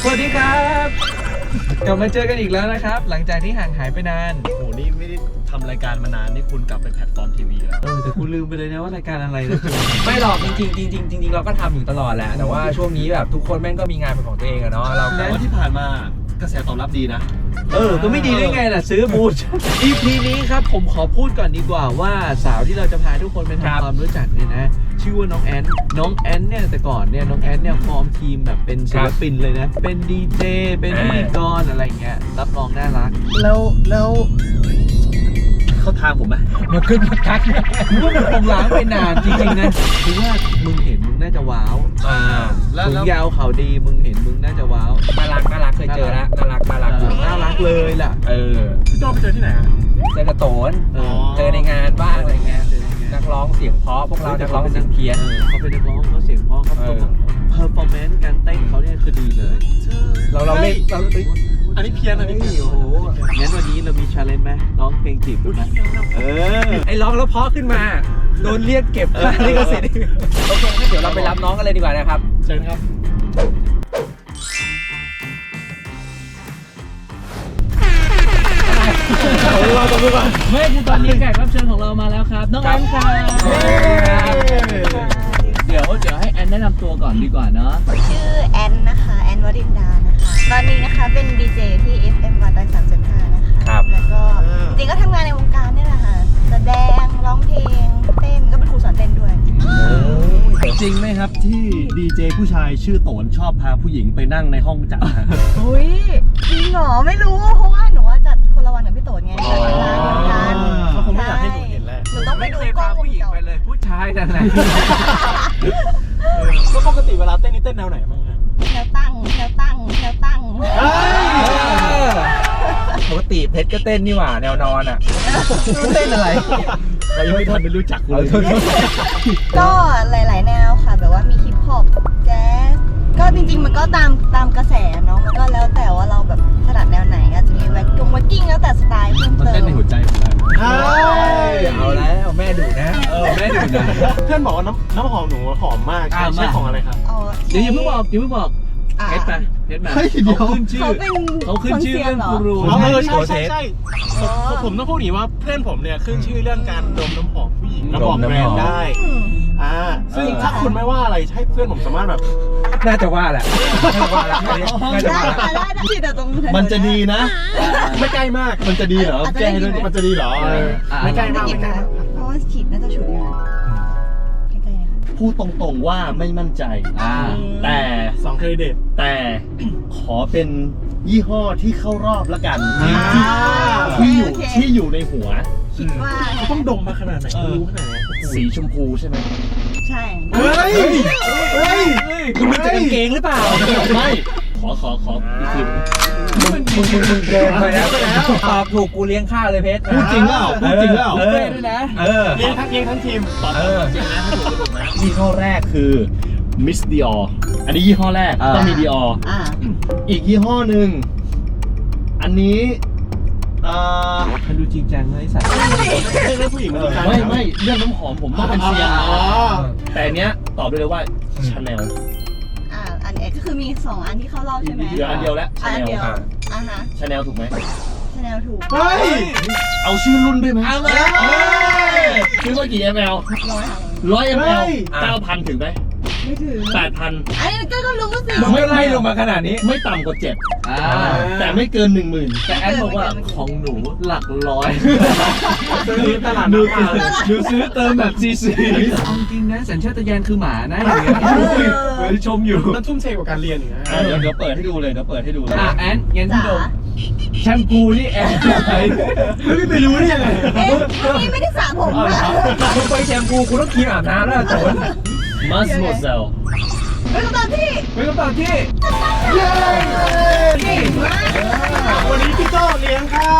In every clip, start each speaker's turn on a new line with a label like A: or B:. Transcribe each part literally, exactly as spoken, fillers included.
A: สวัสดีครับกลับมาเจอกันอีกแล้วนะครับหลังจากที่ห่างหายไปนาน
B: โหนี่ไม่ได้ทำรายการมานานนี่คุณกลับไปแพลตฟอร์มทีวีแล้ว
A: เออแต่กูลืมไปเลยนะว่ารายการอะไรนะ
C: ไม่หรอกจริงๆจริงๆจริงๆเราก็ทำอยู่ตลอดแหละแต่ว่าช่วงนี้แบบทุกคนแม่งก็มีงานเป็นของตัวเองอะเนาะเรา
B: แต่ว่าที่ผ่านมากระแสตอบรับดีนะ
A: เออก็ไม่ดีได้ไงล่ะซื้อบูธ อี พี นี้ครับผมขอพูดก่อนดีกว่าว่าสาวที่เราจะพาทุกคนไปทำความรู้จักเนี่ยนะชื่อว่าน้องแอนน้องแอนเนี่ยแต่ก่อนเนี่ยน้องแอนเนี่ยฟอร์มทีมแบบเป็นศิลปินเลยนะเป็นดีเจเป็นพิธีกรอะไรเงี้ยรับรองน่ารัก
B: แล้วแล้วเขาทางผมไหม
A: มาขึ้นมาทักมึงก็มันคงล้างไปนานจริงๆนะคือว่ามึงเห็นมึงน่าจะว้าว
B: อ่าแล้ว
A: ถุง
B: แล้ว
A: ยาวเขาดีมึงเห็นมึงน่าจะว้าว
C: น่ารักน่ารักเคยเจอแล้วน่ารักน่ารักอยู่
A: น่ารักเลยล่ะ
C: เออ
B: พี่โจไปเจอที่ไหนอ่ะ
C: เจอกระโตน
A: เออ
C: เจอในงานบ้างอะไรเงี้ยนักร้องเสียงเพราะพวกเรานักร้องเสียงเพี้ยน
A: ออเขาเป็นนักร้องเขาเสียงเพราะเขา
C: เออ
A: เพอร์ฟอร์แมนซ์การเต้นเขาเนี่ยคือดีเลย
C: เราเราเล่นเราเอ้ย
B: อันนี้เพี้ยนอันนี้เพี้ยน
A: โอ้โหงั้นวันนี้เรามีชาเลนจ์ไหมร้องเพลงจีบกันไหมเออ
C: ไอ้ร้องแล้วเพราะขึ้นมาโดนเรียกเก็บค่าลิขสิทธิ์โอเคงั้นเดี๋ยวเราไปรับน้องกันเลยดีกว่านะครับ
B: เชิญครับ
A: เราตรงนี้ก่อนไม่คือตอนนี้แขกรับเชิญของเรามาแล้วครับน้องแอนค่ะเดี๋ยวเดี๋ยวให้แอนแนะนำตัวก่อนดีกว่าเนาะ
D: ชื่อแอนนะคะแอนวรินดานะคะตอนนี้นะคะเป็นดีเจที่ เอฟ เอ็ม วัน สามจุดห้า นะคะ
C: ครับ
D: แล้วก็จริงๆก็ทำงานในวงการนี่แหละค่ะแสดงร้องเพลงเต้นก็เป็นครูสอนเต้นด้วย
B: จริงไหมครับที่ดีเจผู้ชายชื่อโตนชอบพาผู้หญิงไปนั่งในห้องจัดฮะ
D: อุ้ยจริงเหรอไม่รู้เพราะว่าหนูว่าจัดคนละวันกับพี่โตนไงจัดวันละเหมือนกัน
B: เขาคงไม่อยากให้หนูเห็นแหละ
D: หนูต้องไป
A: ไม่
D: ดู
A: เคย
D: กล้อ
A: พาง
D: วง
A: ผู้หญิง
D: จร
A: ไปเลยผู้ชายนั่นแหละ
B: แล้วปกติเวลาเต้นนี่เต้นแนวไหนบ้างฮะ
D: แนวตั้งแนวตั้งแนวตั้ง
C: ปกติเพชรก็เต้นนี่หว่าแนวนอนอ่ะเต้นอะไร
B: เรายังไม่ทันได้รู้จักคุณเลย
D: ก็หลาย ๆ แนวค่ะแบบว่ามีฮิปฮอปแจ๊สก็จริง ๆ มันก็ตามตามกระแสเนาะมันก็แล้วแต่ว่าเราแบบถนัดแนวไหนอาจจะมีแว็กกิ้งแว็กกิ้งแล้วแต่สไตล์เพิ่ม
B: มัน
D: เติ
B: เต้น
D: ม
B: ในหัวใจผมได้
C: เอาแล้วแม่ดุนะ
A: เออแม่ดูนะ
B: เพื่อนบอกว่าน้ำน้ำหอมหนูหอมมาก
A: อ่า
B: ใช่
A: มา
B: ของอะไรครับ
D: เอา
A: เดี๋ยวอย่าเพิ่งบอกอย่าเพิ่งบอก
D: อ่ะ
A: เพชรไปเพชรมา
B: เฮ้ยเดี๋ยว
A: เขาขึ้นชื่อ
D: เขาเป็น
A: เขาขึ้นชื่อเรื่อง
D: ค
A: กู
D: ซียนห
A: รู
D: เหรอ
B: เออ
C: โช
B: ใช่
C: ว์เท
B: ใช่
C: ป
B: ใช่ผมผมต้องพูดอย่างนี้ว่าเพื่อนผมเนี่ยขึ้นชื่อเรื่องการดมน้ำหอมผู้หญิง
C: ดม
B: น้ำหอม
C: น้ำหอม
B: แบรนด์ได้
D: อืม
B: อ่าซึ่งถ้าคุณไม่ว่าอะไรให้เพื่อนผมสามารถแบบ
C: น่าจะว่าแหละน่าจะว่าแหละน่าจะ
D: ได้
C: ว่าแหละ
D: ค่ะได้ได้ที่แต่ตรงถ
B: มันจะดีนะ ไม่ใกล้มากมันจะดีเหรอ
D: อาจจะ
B: แก้
D: ได้
B: ให้ด้วย
D: ยินไหม
B: มันจะดีเหรอ
A: เอออ่ะ
B: ไม่ใกล้
D: ไม่
B: มาก
D: กิน
B: ไม่ใกล้
D: ค่ะ
B: มาก
D: เพราะว่าฉีดน่าจะฉุนงานใกล้ๆนะคะ
B: พูดตรงๆว่าไม่มั่นใจ
A: อ่า
B: แต่
E: สองเครดิต
B: แต่ขอเป็นยี่ห้อที่เข้ารอบละกัน
A: อ่า
B: ที่ที่อยู่
D: โอเค
B: ที่อยู่ในหัว
D: คิดว่า
E: เขาต้องดมมาขนาดไหน
B: เออ
E: รู้ขนาดไหน
B: สีชมพูใช่ไหม
D: ใช่
B: เฮ้ยเฮ้ย
C: คุณมันจะกางเกงหรือเปล่า
B: ไม่ขอขอขออีกที
C: มึงมึงมึงมึงเกินไปแล้วตอบถูกกูเลี้ยงข้าวเลยเพชร
B: พูดจริงเปล่าพูดจริงเปล่า
C: เออ
A: ด้วยนะ
C: เออ
E: เลี้ยงทั้งเลี้ยงทั้งทีม
B: ตอบจริงนะถ้าถูกถูกนะยี่ห้อแรกคือ Miss Dior อันนี้ยี่ห้อแรก
A: อ่า
B: ต้องมี Dior
D: อ่า
B: อีกยี่ห้อหนึ่งอันนี้เอ่อ
A: มันดูจริงจังเลยสัตว์
E: เรื่องผู้หญิงมันจริงจัง
B: ไม่ไม่เรื่องน้ำหอมผมต้องเป็นเซียน
E: อ๋อ
B: แต่อันเนี้ยตอบได้เลยว่าชาแนล
D: อ่าอันนี้ก็คือมีสองอันที่เข้ารอบใช่ไหม
B: เดียวอันเดียวแล้ว
D: อั
B: ชาน แนล
D: เดียวอ่าฮะ
B: ชาแนลถูกไหม
D: ชาแนลถูก
E: เฮ้ย
B: เอาชื่อรุ่นด้วยไหม
A: เอามา
B: ชื่อว่ากี่ ml
D: ร้อยค่ะ
B: ร้อย
E: เฮ้
B: ml
E: ย
B: เก้าพันถึงไหม
D: ไม่ถึง
B: แปดพัน
D: อันนี้ก็ก็รู้สิ
C: มึงไม่ไล่ลงมาขนาดนี้
B: ไม่ต่ำกว่าเจ็ด
A: อ่า
B: แต่ไม่เกินหนึ่งหมื่น
A: แต่แอนบอกว่าของหนูหลักร้อย
E: ซื้อตลาด
A: หนู
E: น้ำมา
A: หนูซื้อเติมแบบซีซีเอาจริงนะสัญชาตญาณคือหมานะอย่างเงี้ยเหมือนชมอยู่
E: มันทุ่มเทกว่าการเรียนอีกนะ
B: อ่ะเดี๋ยวเดี๋ยวเปิดให้ดูเลยเดี๋ยวเปิดให้ดูเลย
A: อ่ะแอนงั้น
D: จ๋า
A: พี่ดมแชมพูนี่แอนใช้
E: ไม่ไปรู้ได้ยังไง
D: เอ๊ะวันนี้ไม่ได้สระผมอ่ะ
C: มึงไปแชมพูกูต้องครีมอาบน้ำแล้วโจน
B: มัสโมเซล
D: เป็นคำตอบที่
A: เป็นคำตอบที่
D: เก่งมาก
E: วันนี้พี่โจ้เลี้ยงค่ะ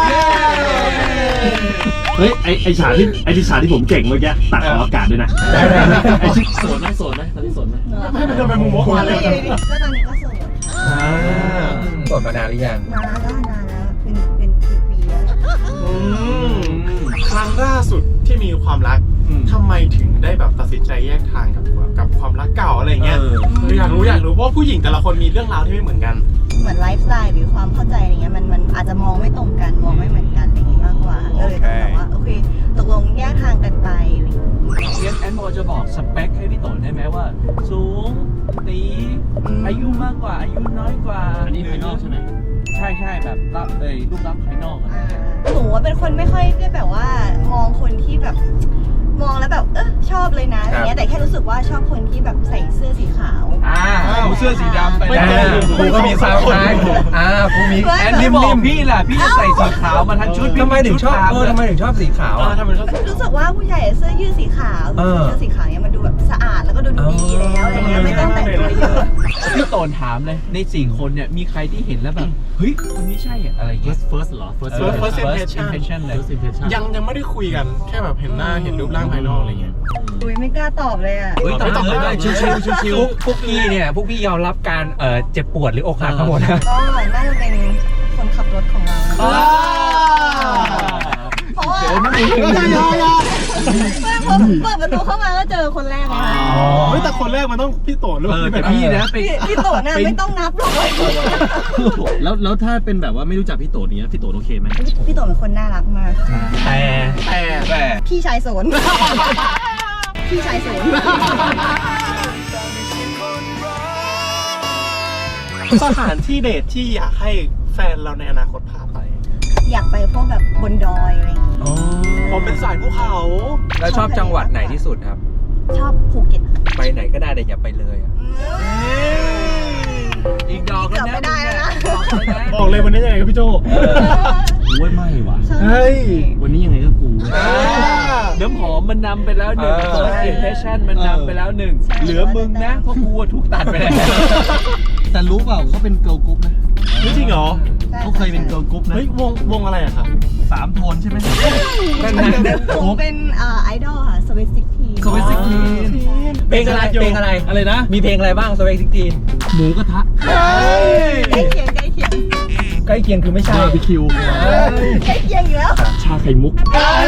B: เฮ้ยไอไอฉากที่ไอที่ฉากที่ผมเก่งเมื่อกี้ตัดออกอากาศด้วยนะไอชิโสดไหมโสดไหมตอนนี้โสดไหม
E: ให้มันเดินไปมุมมองมาเลย
D: ก็ตอนนี้ก็โสดค่ะ
A: อ่า
C: สดมานานหรือยัง
D: มาแล้วนานแล้วเป็นเป็นปีๆแล้ว
E: อืมครั้งล่าสุดที่มีความรักทำไมถึงได้แบบตัดสินใจแยกทางกับกับความรักเก่าอะไรเงี้ยคืออยากรู้อยากรู้เพราะผู้หญิงแต่ละคนมีเรื่องราวที่ไม่เหมือนกัน
D: เหมือนไลฟ์สไตล์หรือความเข้าใจอะไรเงี้ยมันมันอาจจะมองไม่ตรงกันมองไม่เหมือนกันอะไรอย่างงี้มากกว่าก็เลยต้องแบบว่าโอเคตกลงแยกทางกันไปอะไรอย่างเงี้ย
A: แอนพอจะบอกสเปคให้พี่โตได้ไหมว่า สูงตีอายุมากกว่าอายุน้อยกว่า
B: อันนี้ภายนอกใช่ไหม
A: ใช่ใช่แบบรับเลยรูปลักษณ์ภายนอกอะไรเงี้ย
D: หนูว่าเป็นคนไม่ค่อยได้แบบว่ามองคนที่แบบมองแล้วแบบเออชอบเลยนะอะไรเงี้ยแต่แค่รู้สึกว่าชอบคนที่แบบใส่เสื้อสีขาว
A: อ่าเอาเสื้อสีดำไป
E: ไม่
A: แล้
E: เจอ
A: ว
C: กูก็มีสาวคล้ายอ่ากูมี
A: แอนนี่บอกพี่แหละพี่จะใส่สีขาวมาทั้งชุด
C: ทำไมถึงชอบเออทำไมถึงชอบสีขาว
E: อ่า
C: อ่ะ
E: ทำไมเขา
D: รู้สึกว่าผู้ใหญ่เสื้อยืดสีขาว
C: เออ
D: เสื้อสีขาวเนี่ยมันดูแบบสะอาดแล้วก็ดูดีแล้วอะไรเงี้ยไม่ต้องแต่งตัวเยอะ
A: พี่โตนถามเลยในสี่คนเนี่ยมีใครที่เห็นแล้วแบบเฮ้ยคนนี้ใช่อะอะไรเงี้ย
B: first first เหรอ first
A: เออ
E: first
A: first
E: impression
A: impression เลย
B: first impression
E: ยังยังไม่ได้คุยกันแค่แบบเห็นหน้าเห็นรูปร่างภายนอกอะไรเงี้ย
D: อุ้ยไม่กล้าตอบเลยอ่ะ
A: เฮ้ยตอบ
E: ไม่ตอบ
A: เลย
E: ได้
A: ชิวชิวชิวชิว
C: พวกพวกพี่เนี่ยพวกพี่ยอมรับการเอ่อเจ็บปวดหรืออกหักทั้งหมดนะ
D: ก็น่าจะเป็นคนขับรถของเรา
A: อ่า
D: เพราะว่า
A: เดี๋ยวนี่
D: เปิดประตูเข้ามาก็เจอคนแรกเลยค่ะ
E: เฮ้ยแต่คนแรกมันต้องพี่โตหรือ
A: เออ
E: เปล่า
A: แต่พี่นะไป
D: พี่พี่โตน่ะไม่ต้องนับหรอก
B: แล้วแล้วถ้าเป็นแบบว่าไม่รู้จักพี่โตเนี้ยพี่โตโอเคไหม
D: พี่โตเป็นคนน่ารักมากค่ะ
C: แต่
E: แต่
A: แต่
D: พี่ชายโสนพี่ชายโสน
E: สถานที่เดทที่อยากให้แฟนเราในอนาคตพาไป
D: อยากไปพวกแบบบนดอยอะไรอย่างงี้
E: ผมเป็นสายภูเขา
C: แล้วชอบจังหวัดไหนที่สุดครับ
D: ชอบภูเก็ต
C: ไปไหนก็ได้แต่อย่าไปเลยอะ
A: อีกดอกแล้วนะ
D: เกือบไม่ได้แล้วนะ
A: ดอกแล้วนะ
E: บอกเลยวันนี้ยังไงครับพี่โจ
B: กูว่าไม่ว่ะ
D: ชอบ
E: เฮ้ย
B: วันนี้ยังไงก็กู
A: น้ำหอมมันนำไปแล้วหนึ่ง first impression มันนำไปแล้วหนึ่งเหลือมึงนะเพราะกูอะถูกตัดไปแล้ว
B: แต่รู้เปล่าเขาเป็นเกิร์ลกรุ๊ปนะ
E: จริงเหรอ
B: เขาเคยเป็นเกิร์ลกรุ๊ปนะ
E: เฮ้ยวงวงอะไรอะครับ
B: สามโทนใช่ไหม
C: นั่นนั่น
D: ผมเป็นเอ่อไอดอลค่ะสวิสติกที
B: สวิสติกที
C: เพลงอะไรเพลงอะไร
B: อะไรนะ
C: มีเพลงอะไรบ้างสเปกซิกทีน
B: หมูกระทะ
D: ใกล้เคียงใกล้เคียง
C: ใกล้เคียงคือไม่ใช่
B: บาร์บีคิว
D: ใกล้เคียงอยู่แล้ว
B: ชาไข่มุก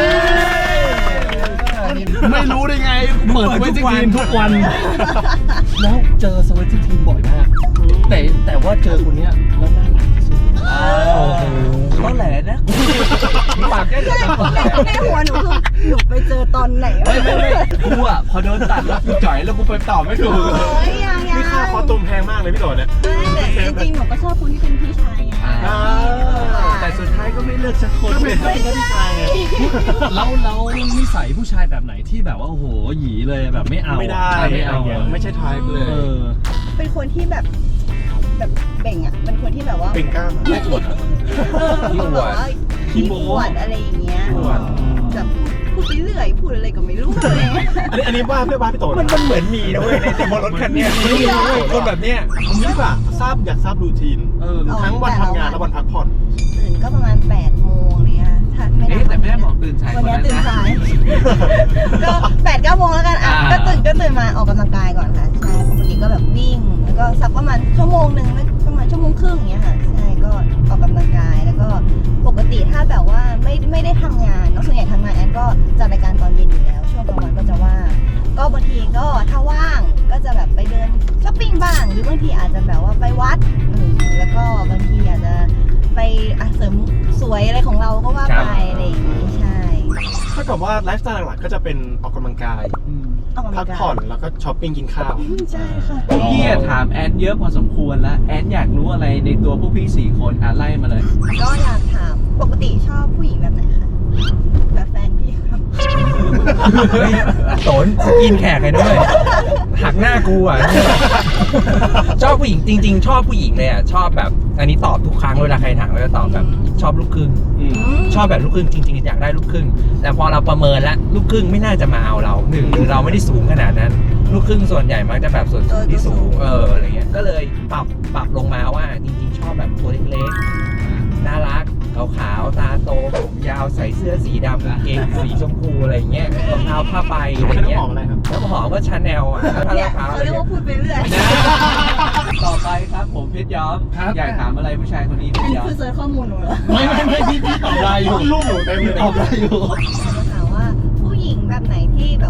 B: ไม่รู้ได้ไง เปิดสวิตทีมทุกวัน แล้วเจอสวิตทีมบ่อยมาก แต่แต่ว่าเจอคนเนี้ยแล้วน่ารักที่สุด
A: ก็แหละนะปากแค่เดียวกัน
D: ในหัวหนูคือหนูไปเจอตอนไหนวะ
A: ไม่ไม่ไม่กูอ่ะพอโดนตัดแล้วกูจ่อยแล้วกูไปตอบไม่ถูก
D: โอ้ยยังยัง
E: นี่ค่าคอตุมแพงมากเลยพี่โตเนี่ย
D: แต่จริงๆหนูก็ชอบคนที่เป็นพี่ชายไง
A: อ่าแต่สุดท้ายก็ไม่เลือกสักคนเลย
D: ไม่ใช่
B: แล้วแล้วนิสัยผู้ชายแบบไหนที่แบบว่าโอ้โหหยีเลยแบบไม่เอา
E: ไม่ได้
B: ไม่เอา
E: ไม่ใช่ทายเลย
B: เออ
D: เป็นคนที่แบบแบบเบ่งอ่ะเป็นคนที่แบบว่า
E: เป็นกล้ามไม่ปวดอะ
D: ขี้อวดขี้อวดอะไรอย่างเงี้ย
E: ขี้อวด
D: แบบพูดไปเรื่อยพูดอะไรก็ไม่รู้อะไรเงี้ย
E: อันนี้อันนี้ว่าเพื่อบ้านพี่โต
C: มันมันเหมือนมีนะเว้ยในบนรถคันเนี้ยไม่มีเว้ยคนแบบเนี้ย
E: ผมนี่ดีกว่าทราบอยากทราบรูทีน
A: เออ
E: ทั้งวันทำงานและวันพักผ่อน
D: ตื่นก็ประมาณแปดโมงเนี่ยถ้าไม่ได้
A: เอ๊ะแต่แม่บอกตื่นสายก
D: วัน
A: ว่า
D: นี้
A: นั้น
D: ตื่น
A: นะ
D: สายก็แปดเก้าโมงแล้วกันอ่ะ
A: อ่า
D: ก็ตื่นก็ตื่นมาออกกำลังกายก่อนค่ะใช่ปกติก็แบบวิ่งแล้วก็สักประมาณชั่วโมงหนึ่งไม่ประมาณชั่วโมงครึ่งอย่างเงี้ยค่ะใช่ก็ออกกำลังกายแล้วก็ปกติถ้าแบบว่าไม่ไม่ได้ทำงานเนาะส่วนใหญ่ทำงานแอนก็จัดรายการตอนเย็นอยู่แล้วช่วงกลางวันก็จะว่างก็บางทีก็ถ้าว่างก็จะแบบไปเดินช้อปปิ้งบ้างหรือบางทีอาจจะแบบว่าไปวัดอืมแล้วก็บางทีอาจจะไปอ่ะเสริมสวยอะไรของเราก็ว่าไปอะไรอย่างงี้ใช่
E: ถ้ากับว่าไลฟ์สไตล์หลักๆก็จะเป็นออกกำลังกาย
D: ออกกำลั
E: พัก
D: งกาย
E: ผ่อนแล้วก็ช้อปปิ้งกินข้าว
D: ใช่ค่ะ
A: พี่อะถามแอนเยอะพอสมควรแล้วแอนอยากรู้อะไรในตัวพวกพี่สี่คนอ่ะไล่มาเลย
D: ก็อยากถามปกติชอบผู้หญิงแบบไหนคะแบบแฟนพี่ครับ
C: เฮ้ยโตนกินแขกเลยด้วยหักหน้ากูอ่ะ ชอบผู้หญิงจริง ๆ ชอบผู้หญิงเลยอ่ะชอบแบบอันนี้ตอบทุกครั้งเวลาใครถามเราจะตอบแบบชอบลูกครึ่งชอบแบบลูกครึ่งจริงๆอยากได้ลูกครึ่งแต่พอเราประเมินแล้วลูกครึ่งไม่น่าจะมาเอาเราหนึ่งหรือเราไม่ได้สูงขนาดนั้น ลูกครึ่งส่วนใหญ่มักจะแบบส่วนสูงที่สูงเอออะไรเงี้ยก็เลยปรับปรับลงมาว่าจริงๆชอบแบบตัวเล็กๆน่ารักขาวๆตาโตผมยาวใส่เสื้อสีดำกางเกงสีชมพูอะไรเงี้ยรองเท้าผ้าใบอะไร
E: ใช้น้ำ
C: เงี้
E: ห
C: ย
E: อมอะไรครับ
C: แล้วหอมก็ชาแนลอ่ะผ้า
D: เนี่ย
C: ขาว
D: เขา
C: อะไร
D: เรียก
C: เงี้
D: ว่าย พูดไปเรื่อย
A: ต่อไปครับผมเพชรย้อม
B: ครับ
A: อยากถามอะไรผู้ชายคนนี้เพ
D: อัน
A: ชร
D: นี้
A: ย้อม
D: คือเซิร์ชข้อมูลหนูเหรอ
B: ไม่ไม่ไม่พี่พี่ตอบได้อยู่
E: ลูกหนูเต็มเลย
B: ตอบได้อยู่
D: อยากจะถามว่าผู้หญิงแบบไหนที่แ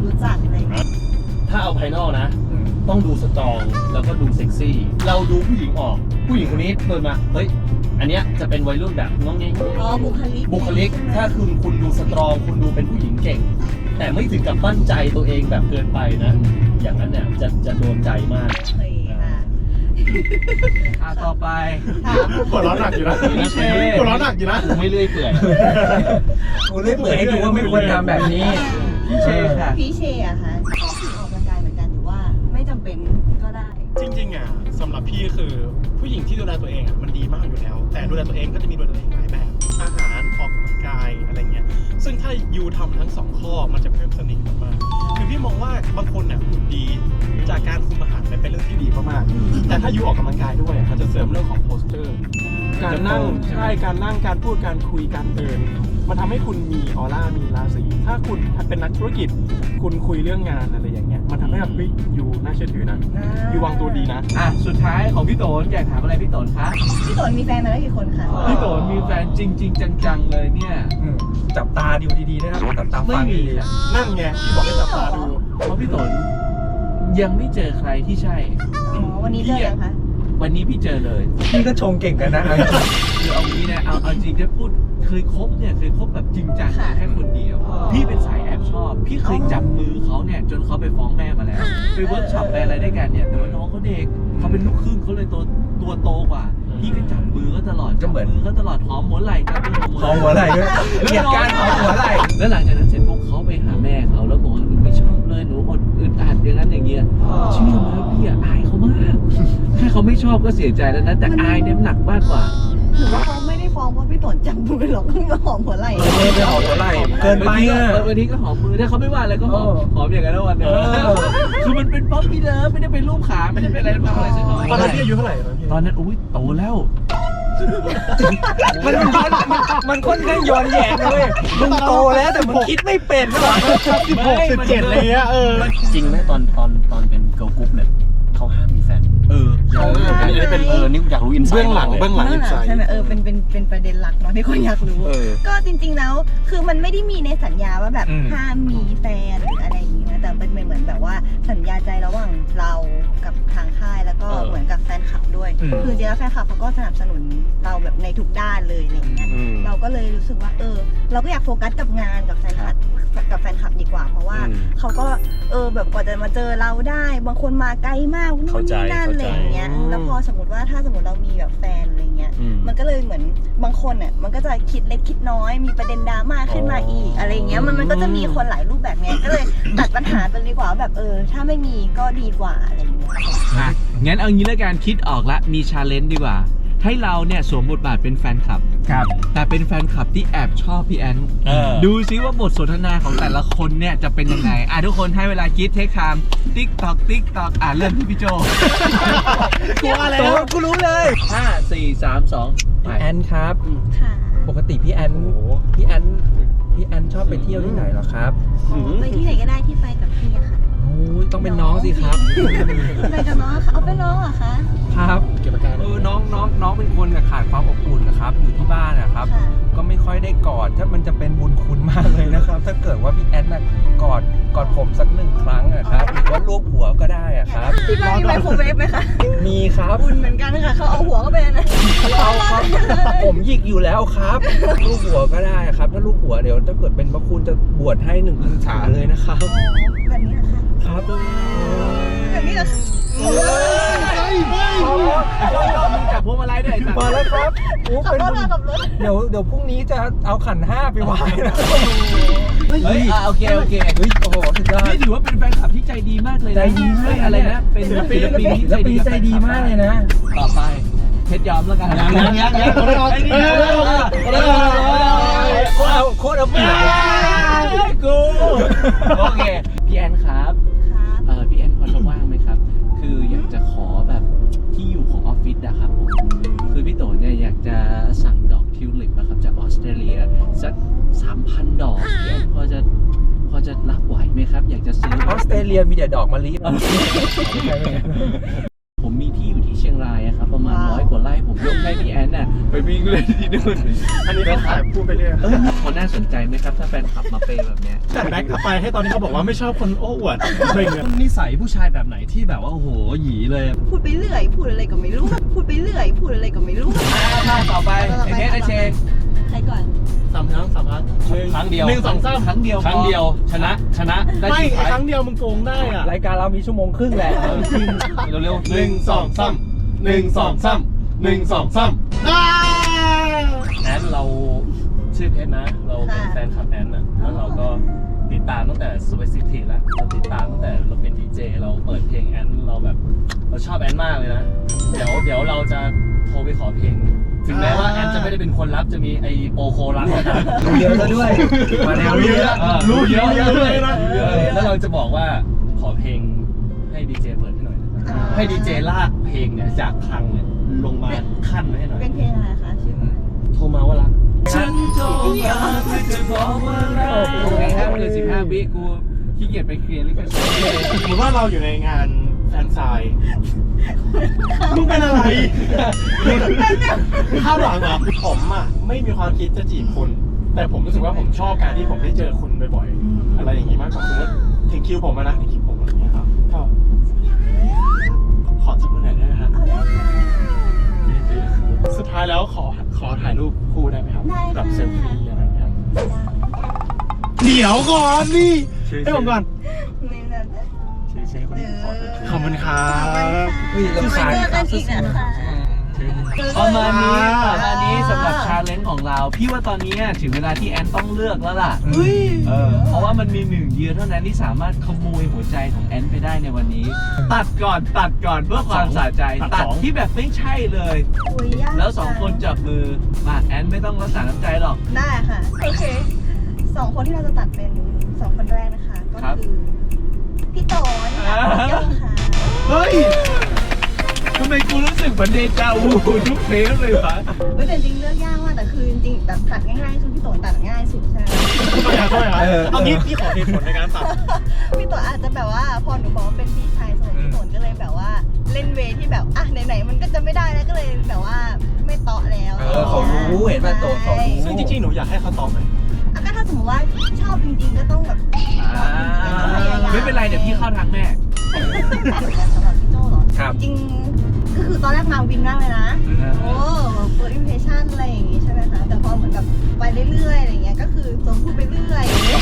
D: รู้จักอะไรอย่างเงี้ย
B: ถ้าเอาภายนอกนะ ต้องดูสตรองแล้วก็ดูเซ็กซี่ เราดูผู้หญิงออก ผู้หญิงคนนี้เดินมา เฮ้ย อันเนี้ยจะเป็นวัยรุ่นแบบน้องเงี้ย
D: อ๋อบุคลิก
B: บุคลิก ถ้าคุณคุณดูสตรอง คุณดูเป็นผู้หญิงเก่ง แต่ไม่ถึงกับมั่นใจตัวเองแบบเกินไปนะ อย่างนั้นเนี่ยจะจะโดนใจมาก
D: เคยค่ะ
A: อ่ะต่อไป
E: หัวเร้อนหนักอยู่นะ
A: พี่เช
E: หัวเร้อนหนักอยู่นะ
B: ไม่เลื่อยเปื่อย
C: กูเล่นเปิดให้ดูว่าไม่ควรทำแบบนี้
A: พี่เชค่ะ
D: พี่เชอะคะชอบออกกำลังกายเหมือนกันหรือว่าไม่จำเป็นก็ได้
E: จริงๆอ่ะสำหรับพี่คือผู้หญิงที่ดูแลตัวเองอ่ะมันดีมากอยู่แล้ว แต่ดูแลตัวเองก็จะมีดูแลตัวเองหลายแบบ อาหารออกกำลังกายอะไรเงี้ยซึ่งถ้ายูทำทั้งสองข้อมันจะเพิ่มเสน่ห์มากๆคือพี่มองว่าบางคนเนี่ยหุ่นดีจากการคุมอาหารเป็นเรื่องที่ดีมากๆแต่ถ้ายูออกกำลังกายด้วยอ่ะมันจะเสริมเรื่องของโพสเจอร์การนั่งใช่การนั่งการพูดการคุยการเดินมันทำให้คุณมีออร่ามีราศีถ้าคุณเป็นนักธุรกิจคุณคุยเรื่องงานอะไรอย่างเงี้ยมันทำให้แบบเฮ้ยยูน่าเชื่อถือนะยูวางตัวดีนะ
A: อ่ะ สุดท้ายของพี่โตนอยากถามอะไรพี่โตนคะ
D: พี่ตนมีแฟนมาแล้วกี่คนคะ
A: พี่โตนมีแฟนจริง ๆ จังๆเลยเนี่ย
C: อืมจับตาดูดีๆนะครับจับตา
A: ไม่
C: ฟัง
A: มี
C: ดี
A: ค่ะ
E: นั่นไงที่บอกให้จับตาดู
A: เพราะพี่โตนยังไม่เจอใครที่ใช่
D: อ๋อวันนี้เจอยังคะ
A: วันนี้พี่เจอเลย
C: ๆพี่ก็ชงเก่งกันนะ
A: คือเอางี้นะเอาเอาจริงถ้าพูดเคยคบเนี่ยเคยคบแบบจริงจัง
D: ค่ะ
A: แค่คนเดียว พี่เป็นสายแอบชอบ พี่เคยจับมือเขาเนี่ยจนเขาไปฟ้องแม่มาแล้วไปเวิร์กช็อปไปอะไรด้วยกันเนี่ยแต่ว่าน้องเขาเด็กเขาเป็นลูกครึ่งเขาเลยตัวตัวโตกว่า พี่ก็จับมือก็ตลอด
C: ก็เหมือน
A: จับมือก็ตลอดหอมหัวไหล่จับมือ
C: หอมหัวไหล่ด้วยเกลียดการหอมหัวไหล่
A: แล้วหลังจากนั้นเสร็จปุ๊บเขาไปหาแม่เขาแล้วบอกว่าหนูไม่ชอบเลยหนูอดอึดอัดอย่างนั้นอย่างเงี้ยเชื่อไหมว่าพี่อะอายเขามากแค่เขาไม่ชอบก็เสียใจแล้วนะแต่อายเนี่ยหนักมากกว่า
D: หรือว่าเขาไม่ได้ฟ้องเพราะพี่ตนจับมือหรอกเพิ่งมาหอมหัวไหล่
C: เออไปหอมหัวไหล่เกินไป
A: บางทีก็
C: อ่ะ
A: บางทีก็หอมมือถ้าเขาไม่ว่าอะไรก็หอม
C: เออ
A: หอมอย่างนั้นแล้ววันเดียว
C: เออ
A: คือมันเป็นป๊อปปี้เลิฟไม่ได้เป็นรูปขาไม่ได้เป็นอะไรทำอะไรสักหน่อย
E: ตอนนั้นพี่อายุเท่าไหร่ตอนนั้นพี่
A: ตอนนั้นอุ้ยโตแล้ว
C: มันย้อนมันมันค่อนข้างย้อนแย้งเลยมึงโตแล้วแต่มึงคิดไม่เป็นหรอ
E: สิบหกสิบเจ็ดอะไรเงี้ยเออ
B: จริงไหมตอนตอนตอนเป็นเกิร์ลกรุ๊ปเนี่ยเขาห้ามมีแฟน
A: เออ
B: เขาอันนี้เป็นเออนี่อยากรู้อินไซต์
E: เบื้องหลังเบื้องหลัง
D: เบื้
E: อิ
D: อง
E: น
D: ห
E: ไซ
D: ลัง
E: ด์
D: ใช่ไหมเออเป็นเป็นเป็นประเด็นหลักเนาะที่คนอยากรู้
C: เออ
D: ก็จริงๆแล้วคือมันไม่ได้มีในสัญญาว่าแบบห้ามมีแฟนหรืออะไรอย่างนี้นะแต่เป็นเหมือนแบบว่าสัญญาใจระหว่างเรากับทางค่ายแล้วก็
B: เออ
D: เหมือนกับแฟนคลับด้วย
C: อืม
D: คือจริงๆแล้วแฟนคลับเขาก็สนับสนุนเราแบบในทุกด้านเลยอะไรอย่างเงี้ย
B: อืม
D: เราก็เลยรู้สึกว่าเออ เราก็อยากโฟกัสกับงานกับแฟนคลับกับแฟนคลับดีกว่า เพราะว่า
B: อืม
D: เขาก็เออแบบกว่าจะมาเจอเราได้ บางคนมาไกลมากนู่
B: เข้านใจ
D: นี่นั่น
B: เข้า
D: อะไร
B: ใจ
D: อย่างเงี้ยแล้วพอสมมติว่าถ้าสมมติเรามีแบบแฟนอะไรเงี้ย
B: อืม
D: มันก็เลยเหมือนบางคนอ่ะมันก็จะคิดเล็กคิดน้อย มีประเด็นดราม่าขึ้นมาอีกอะไรเงี้ยมันมันก็จะมีคนหลายรูปแบบเนี้ยก็เลยตัดปัญหาไปดีกว่าว่าแบบเออ ถ้าไม่มีก็ดีกว่าอะไรเงี้ย
A: อ่ะงั้นเอางี้แล้วกันคิดออกละมีชาเลนจ์ดีกว่า ให้เราเนี่ยสวมบทบาทเป็นแฟนคลับ
C: ครับ
A: แต่เป็นแฟนคลับที่แอบชอบพี่แอน
B: เออ
A: ดูซิว่าบทสนทนาของแต่ละคนเนี่ยจะเป็นยังไง อ่ะทุกคนให้เวลาคิดเทคไทม์ติ๊กตอกติ๊กตอกอ่ะเริ่มที่พี่โจ
E: กลัวอะไร
C: โต
E: นะ
C: กูรู้เลย
A: ห้าสี่สามสองไป
C: แอนครับ
D: ค่ะ
C: ปกติพี่แอนพี่แอนพี่แอนชอบไปเที่ยวที่ไหนเหรอครับ
D: อ๋อไปที่ไหนก็ได้ที่ไปกับพี่อะค่ะ
C: โอ้ยต้องเป็นน้องสิครับ
D: ไปกับน้องค่ะเอาเป็นน้องเหรอคะ
C: ครับ
E: เก็บอาการ
C: เออน้องน้องน้องเป็นคนน่ะขาดความอบอุ่นนะครับ อยู่ที่บ้านนะครับ
D: ค่ะ
C: ก็ไม่ค่อยได้กอดถ้ามันจะเป็นบุญคุณมากเลยนะครับ ถ้าเกิดว่าพี่แอนน่ะกอดกอดผมสักหนึ่งครั้งอะครับหรือว่าลูบหัวก็ได้อะครับ
D: ที่บ้านมีไมโครเวฟไหมคะ
C: มีครับ
D: อุ่นเหมือนกันค่ะเขาเอาหัวเข้าไปนะ
C: เอาครับผมหยิกอยู่แล้วครับลูบหัวก็ได้ครับ ถ้าลูบหัวเดี๋ยวถ้าเกิดเป็นพระคุณจะบวชให้หนึ่งพรรษาเลยนะครับ
D: อ๋อแบบนี้เหรอคะ
C: ครับ
D: แบบนี้เหรอคะ
A: จับพวงมาลัยด้วย
C: มาแล้วครับโอ้
D: ขับ
C: เป็น
D: รถค่ะขับรถ
C: เดี๋ยวเดี๋ยวพรุ่งนี้จะเอาขันห้าไปไหว้นะ
A: เฮ้ยอ่ะโอเคโอเค
C: เฮ้ยโอ้โหสุดยอด
A: นี่ถือว่าเป็นแฟนคลับที่ใจดีมากเลยนะ
C: ใจดีมาก
A: เฮ้ยอะไรนะเป็นศิลปินที่
C: ศิลปินใจดีมากเลยนะ
A: ต่อไปเพชรยอมแล้วกัน
B: ยังยังยังยัง
A: ไอ้นี่
B: เอาเลยเอาเลยเอาเลยเอาเลย
C: โคตรเอาโคตรเอาเปรียบ
A: กูโอเคพี่แอนครับ
D: ครับ
A: เออพี่แอนพอจะว่างไหมครับ คืออยากจะขอแบบที่อยู่ของออฟฟิศอะครับผมคือพี่โตเนี่ยอยากจะสั่งดอกทิวลิปนะครับจากออสเตรเลียสักสามพันดอกพี่แอนพอจะพอจะรับไหวไหมครับ อยากจะซื้อ
C: ออสเตรเลียมีแต่ดอกมะลิ
A: ผมมีที่อยู่ที่เชียงรายอะครับประมาณ
D: ว้าว
A: ร้อยกว่าไร่ผมยกให้พี่แอนน่ะไปวิ่งเล่นที่นู่น
E: อันนี้เขาขายพูดไปเรื่อย
A: เออเขาน่าสนใจไหมครับถ้าแฟนขับมาเปย์แบบเนี้ย
E: แต่แบ็คกลับไปให้ตอนนี้เขาบอกว่าไม่ชอบคนโอ้อวดอะไรเงี้ย
B: นิสัยผู้ชายแบบไหนที่แบบว่าโอ้โหหยีเลย
D: พูดไปเรื่อยพูดอะไรก็ไม่รู้พูดไปเรื่อยพูดอะไรก็ไม่รู้
A: มาต่อไปไอเพชรไอเชง
D: ใครก่อน
E: สามครั้งสามครั้ง
B: ครั้งเดียว
E: หนึ่งสองสาม
A: ครั้งเดียว
B: ครั้งเดียวชนะชนะได้
E: ไม่
B: สุดท้าย
E: ครั้งเดียวมึงโกงได้อ่ะ
C: รายการเรามีชั่วโมงครึ่งแหละ
B: เร็วๆ
E: หนึ่งสองสามหนึ่งสองสามหนึ่งสองสามอ้า
B: แอนเราชื่อเพชรนะ เราเป็น
D: ค่ะ
B: แฟนคลับแอนนะแล้วเราก็ติดตามตั้งแต่สเปซิฟิกแล้วเราติดตามตั้งแต่เราเป็นดีเจเราเปิดเพลงแอนเราแบบเราชอบแอนมากเลยนะ เดี๋ยวเดี๋ยวเราจะโทรไปขอเพลง ถึงแม้ว่าแอนจะไม่ได้เป็นคนรับจะมีไอโปโครับก็ตาม
C: รู้เยอะซะด้วยมาแนวรู้เยอะ
B: เออ
E: รู้เยอะ
B: รู้เยอะด้วย
E: นะ
B: เออแล้วเราจะบอกว่าขอเพลงให้ดีเจเปิดให้หน่อยนะให้ดีเจลากเพลงเนี่ยจากคลังเนี่ยลงมาขั้นไว้ให้หน่อย
D: เป็นเพลงอะไรคะชื่อเพลง
B: โทรมาว่ารัก
A: ฉันโทรมาเพื่อจะบอกว่ารักโอเคครับเกินสิบห้าวิกูขี้เกียจไปเคลียร์ลิขสิทธิ์
E: สมมติว่าเราอยู่ในงานแฟนไซน์มึงเป็นอะไรข้าวหลังเหรอผมอ่ะไม่มีความคิดจะจีบคุณ แต่ผมรู้สึกว่าผมชอบการที่ผมได้เจอคุณบ่อยๆ อะไรอย่างงี้มากกว่าสมมติถึงคิวผมอะนะถึงคิวผมอะไรอย่างเงี้ยครับก็ขอจับมือหน่อยได้ไหมครับ
D: เอาได้ค่ะ
E: สุดท้ายแล้วขอขอถ่ายรูปคู่ได้ไหมครับ
D: ได้ค่ะ
E: แบบเซลฟี่อะไรอย่างเงี้ยเดี๋ยวก่อนนี่ให้ผมก่อน
D: นี่นะ
E: ขอบคุณครับ
C: อุ้ย
D: จะ
C: รำ
D: ไป
C: คาญ
D: เจอกันอีกนะคะ
A: ประมาณนี้ประมาณนี้สำหรับชาเลนจ์ของเรา พี่ว่าตอนนี้ถึงเวลาที่แอนต้องเลือกแล้วล่ะ
D: อุ้ย
A: เออเพราะว่ามันมีหนึ่งเดียวเท่านั้นที่สามารถขโมยหัวใจของแอนไปได้ในวันนี้ ตัดก่อนตัดก่อนเพื่อความสะใจ ตัดที่แบบไม่ใช่เลย
D: อุ้ยยาก
A: แล้วสองคนจับมือมาแอนไม่ต้องรักษาน้ำใจหรอก
D: ได้ค่ะ โอเคสองคนที่เราจะตัดเป็นสองคนแรกนะคะ ก็
A: ครับ
D: คือพี่โตนกับพี่โยงค่ะ
A: เฮ้ยทำไมกูรู้สึกเหมือนเดจาวูทุกเทปเลยวะ
D: เฮ้ยแต่จริงเลือกยากมากแต่คือจริงๆแบบตัดง่ายๆคือพี่โตนตัดง่ายสุดใช่ไหม
E: ไม่เอาไม่เอาเอางี้พี่ขอเหตุผลในการตัด
D: พี่โตนอาจจะแบบว่าพอหนูบอกว่าเป็นพี่ชายโซนพี่โตนก็เลยแบบว่าเล่นเวย์ที่แบบอ่ะไหนๆมันก็จะไม่ได้แล้วก็เลยแบบว่าไม่เตาะแล้ว
C: เออเขารู้เห็นป่ะโตเขารู้
E: ซึ่งจริงๆหนูอยากให้เขาตอบไหม
D: อ่ะก็ถ้าสมมติว่าชอบจริงๆก็ต้องแบบ
A: อ่าไม่เป็นไรเดี๋ยวพี่เข้าทางแม่
D: สำหรับพี่โจเหรอ
C: ครับ
D: จริงๆก็คือตอนแรกมาวินมากเลยนะ โอ้เปิดอิมเพรสชั่นอะไรอย่างงี้ใช่ไหมคะ แต่พอเหมือนแบบไปเรื่อยๆอะไรเงี้ย ก็คือสมพูดไปเรื่อยอย่างเงี้ย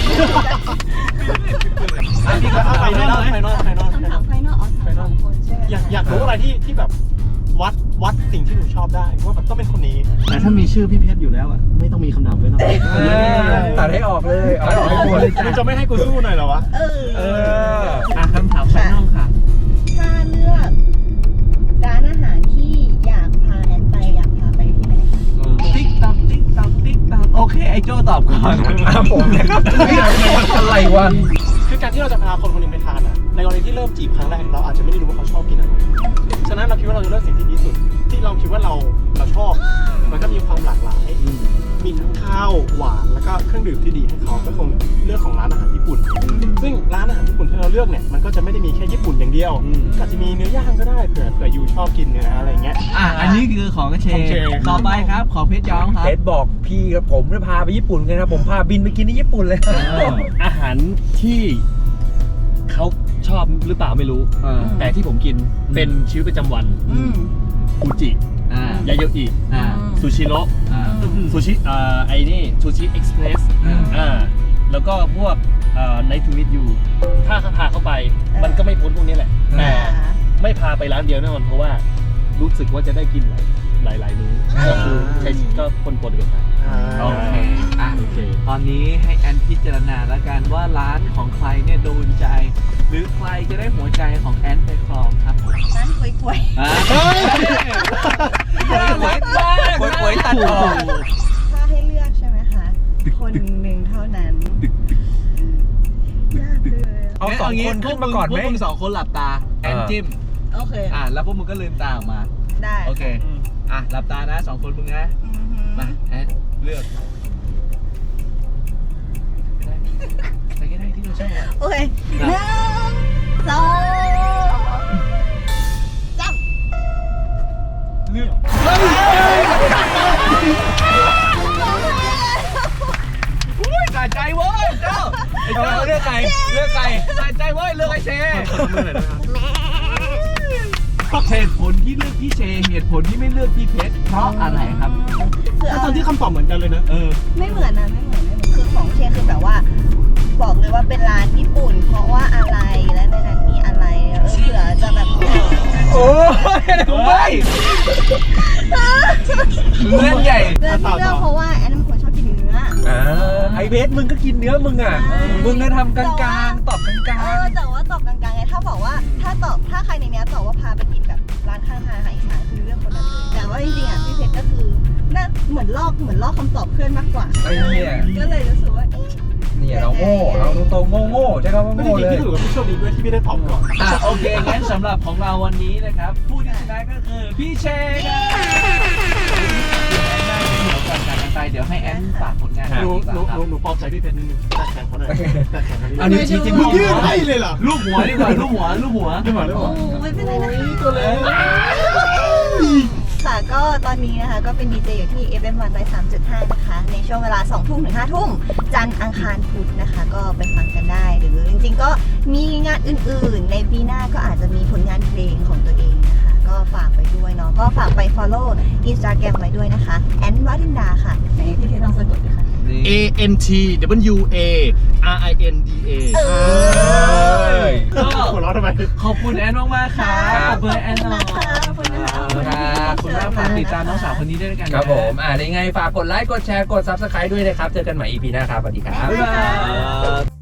E: อ่ะพี่ก็เอาไปนอกไปนอกไปนอก
D: คำถามไฟนอลอ๋อถามสองคนใช่ไหม
E: อยากอยากรู้อะไรที่ที่แบบวัดวัดสิ่งที่หนูชอบได้ว่าแบบต้องเป็นคนนี้
B: แต่ถ้ามีชื่อพี่เพชรอยู่แล้วอ่ะไม่ต้องมีคำถามเลยนะ
C: ตัดให้ออกเลยเอาออกให้หมดเลย
E: มึงจะไม่ให้กูสู้หน่อยเหรอวะ
D: เออ
C: เออ
A: อ่ะคำถามไฟนอลค่ะ
D: ถ้าเลือกร้านอาหารที่อยากพาแอนไปอยากพาไปที่ไหนคะ
A: ติ๊กตักติ๊กตักติ๊กตักโอเคไอโจตอบก่อน
C: อ่ะผมนะครับอะไรวะ
E: คือการที่เราจะพาคนคนหนึงไปทานอ่ะ ในกรณีที่เริ่มจีบครั้งแรกเราอาจจะไม่ได้รู้ว่าเขาชอบกินอะไร ฉะนั้นเราคิดว่าเราจะเลือกสิ่งที่ดีที่สุด ที่เราคิดว่าเราเราชอบ มันก็มีความหลากหลาย มีทั้งข้าวหวานแล้วก็เครื่องดื่มที่ดีให้เขาก็คงเลือกของร้านอาหารญี่ปุ่น ซึ่งร้านอาหารญี่ปุ่นที่เราเลือกเนี่ยมันก็จะไม่ได้มีแค่ญี่ปุ่นอย่างเดียวก็อาจจะมีเนื้อย่างก็ได้เผื่อเผื่อยูชอบกินเนื้ออะไรเงี้ย
A: อ่ะอันนี้คือของเช
E: ของเช
A: ต่อไปครับของเพชรย้อมครับ
C: เพชรบอกพี่กับผมจะพาไปญี่ปุ่นกันนะผมพาบินไปกินที่ญี่ปุ่นเลย
B: อาหารที่เขาชอบหรือเปล่าไม่รู้
A: เออ
B: แต่ที่ผมกินเป็นชีวิตประจำวัน
D: อืม
B: ฟูจิ
A: อ่าย
B: าโยอิ
A: อ่า
B: ซูชิโร่
A: อ่า
B: ซูชิอ่าไอ้นี่ซูชิเอ็กซ์เพรส
A: อ่า
B: อ่าแล้วก็พวกอ่า Night to Meet You ถ้าเขาพาเข้าไปมันก็ไม่พ้นพวกนี้แหละ แต่ไม่พาไปร้านเดียวแน่นอนเพราะว่ารู้สึกว่าจะได้กินหลายหลายๆมื้อก็คือใช้ก็คนปนกันไป
A: โอเคอ่ะ
B: โอเค
A: ตอนนี้ให้แอนพิจารณาแล้วกันว่าร้านของใครเนี่ยโดนใจ หรือใครจะได้หัวใจของแอนไปครองครับ
D: ร้านกล้วย
A: อ่า
E: เฮ้ย
A: หวยหวยหวยหวยตัดออก
D: ๆถ้าให้เลือกใช่ไหมคะ คนหนึ่งเท่านั้นยากเลย
C: เอาสองคนขึ้นมาก่อนไหม
A: พวกมึงสองคนหลับตา แอนจิ้ม
D: โอเค
A: อ่ะแล้วพวกมึงก็ลืมตาออกมา
D: ได้
A: โอเค อ่ะหลับตานะสองคนมึงนะ
D: อือหือ
A: มาแอนเลือกไปก็ได้ที่เราชอบอะ
D: โอเคหนึ่งสองสาม
A: เหตุผลที่เลือกพี่เชเหตุผลที่ไม่เลือกพี่เพชรเพราะอะไรครับ
D: คือ
E: แล้ว
D: เอา
E: ตอนที่คำตอบเหมือนกันเลยนะ
A: เออ
D: ไม่เหมือนนะไม่เหมือนไม่เหมือนคือของเชคือแบบว่า บอกเลยว่าเป็นร้านญี่ปุ่น เพราะว่าอะไรและในนั้นมีอะไรเออเผื่อจะแบบ
C: โอ้ยไม่เล่นใหญ่
D: เรื่องที่เลือกเพราะว่าแอนเป็นคนชอบกินเนื้อ
C: อ่าไอเบสมึงก็กินเนื้อมึงอ่ะ
D: ใช่
C: มึงก็ทำกลางๆตอบกลาง
D: เออแต่ว่าตอบกลางๆไงถ้าบอกว่าถ้าตอบถ้าใครในเนี้ยตอบว่าพาไปกินแบบร้านข้างทางอาหารอีสานคือเรื่องคนนั้นเลยแต่ว่าจริงๆอ่ะพี่เพชรก็คือน่าเหมือนลอกเหมือนลอกคำตอบเพื่อนมากกว่า
C: ๆไอ้เนี่ย
D: ก็เลยรู้สึกว่าเอ๊ะ
C: เนี่ยเราโง่เราตรงๆโง่ๆใช่คำว่า
E: ไม่จ
C: โง่
E: ริง
C: เล
E: ๆ
C: ย
E: พี่ถือว่าพี่โชคดีด้วยที่ไม่ได้ตอบก่อน
A: อ่ะโอเคงั้นสำหรับของเราวันนี้นะครับผู้ที่ชนะก็คือพี่เชครับเดี๋ยวก่อนจากกันไปเดี๋ยวให้แอนฝากผลงาน
E: หนูห
A: ดี
E: นู
A: กว่า
E: หนูหนูปลอบใจพี่เพชรนิดนึงแต่แข่งเขาหน่อยแต่แข่งเขาหน่
C: อั
E: อน ย
C: นี้จริงๆ
E: มึงยื่นให้เลยเหรอ
A: ลูกหัวดีกว่าลูกหัวลูกหัว
E: ไม่ไหวไม่ไหว
D: โอ้ไม่เป็นไรนะ
E: ตัวเล็ก
D: ค่ะก็ตอนนี้นะคะก็เป็นดีเจอยู่ที่ เอฟ เอ็ม วัน สามจุดห้า นะคะในช่วงเวลาสองทุ่มถึงห้าทุ่มจันทร์อังคารพุธนะคะ ก็ไปฟังกันได้ หรือจริงๆก็มีงานอื่นๆ ในปีหน้าก็อาจจะมีผลงานเพลงของตัวเองนะคะ ก็ฝากไปด้วยเนาะก็ฝากไป follow Instagram ไว้ด้วยนะคะแอนวารินดาค่ะไหนพี่เทลองสะกดดูค่ะ
E: A N T W A R I N D A
D: เออ
A: ก็
E: หัวเราะทำไม
A: ขอบคุณแอนมากๆครับขอบคุณแอนหน่อย
D: ขอบคุณนะคะ
A: ขอบคุณมากฝากติดตามน้องสาวคนนี้ด้วยกันนะครับ
C: ผมอ่าได้ไงฝากกดไลค์กดแชร์กด ซับสไครบ์ ด้วยนะครับ เจอกันใหม่ อี พี หน้าครับสวัสดีครับ
A: บ๊ายบาย